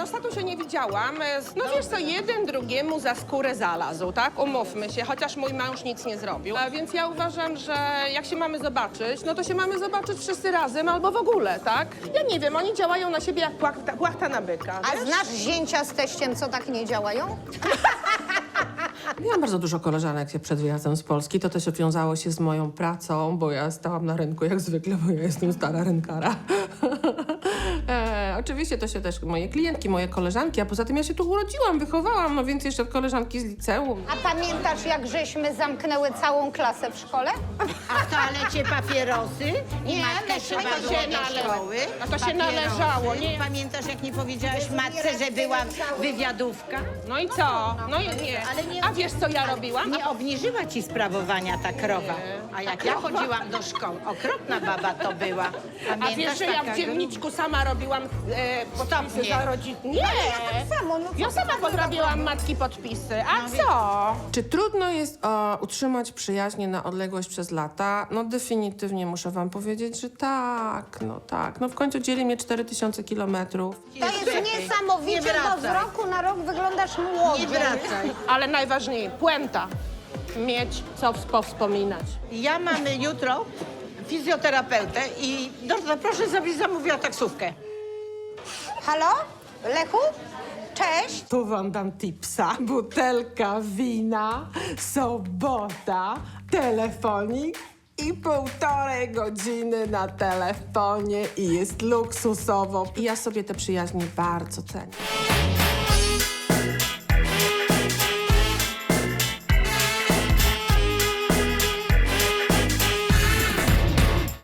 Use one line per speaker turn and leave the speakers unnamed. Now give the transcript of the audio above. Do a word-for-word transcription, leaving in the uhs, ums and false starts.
no statusia nie widziałam. No wiesz co, jeden drugiemu za skórę zalazł, tak? Umówmy się, chociaż mój mąż nic nie zrobił. A więc ja uważam, że jak się mamy zobaczyć, no to się mamy zobaczyć wszyscy razem albo w ogóle, tak? Ja nie wiem, oni działają na siebie jak płachta, płachta na byka,
A
wiesz?
znasz zięcia z teściem, co tak nie działają?
Miałam bardzo dużo koleżanek przed wyjazdem z Polski. To też wiązało się z moją pracą, bo ja stałam na rynku jak zwykle, bo ja jestem stara rynkara. e, oczywiście to się też moje klientki, moje koleżanki, a poza tym ja się tu urodziłam, wychowałam, no więc jeszcze koleżanki z liceum.
A pamiętasz, jak żeśmy zamknęły całą klasę w szkole?
A w toalecie papierosy? I
Nie,
matkę
myśmy
trzeba
to
było
się
do
nale-
szkoły.
a to się
Papierosy.
należało, nie?
Pamiętasz, jak nie powiedziałaś matce, że była wywiadówka?
No i co? No i nie.
Ale nie-
A wiesz, co ja robiłam?
Nie obniżyła ci sprawowania ta krowa. A jak ja chodziłam do szkoły, okropna baba to była.
A
Pamiętasz
wiesz, że ja
taka
w dzienniczku sama robiłam e, podpisy
Stopnie.
za rodzin... Nie!
tak samo, no co
Ja
ty
sama
takiego
podrabiałam matki podpisy. A co?
Czy trudno jest o, utrzymać przyjaźnie na odległość przez lata? No definitywnie muszę wam powiedzieć, że tak, no tak. No w końcu dzieli mnie cztery tysiące kilometrów.
To jest
Lepiej.
niesamowicie,
Nie
bo z
wracaj.
roku na rok wyglądasz młodziej.
Nie wracaj.
Ale najważniej, puenta. Mieć co powspominać.
Ja mamy jutro fizjoterapeutę i Dorota, proszę, żebyś zamówiła taksówkę.
Halo? Lechu? Cześć.
Tu wam dam tipsa. Butelka wina, sobota, telefonik i półtorej godziny na telefonie i jest luksusowo. I ja sobie te przyjaźnie bardzo cenię.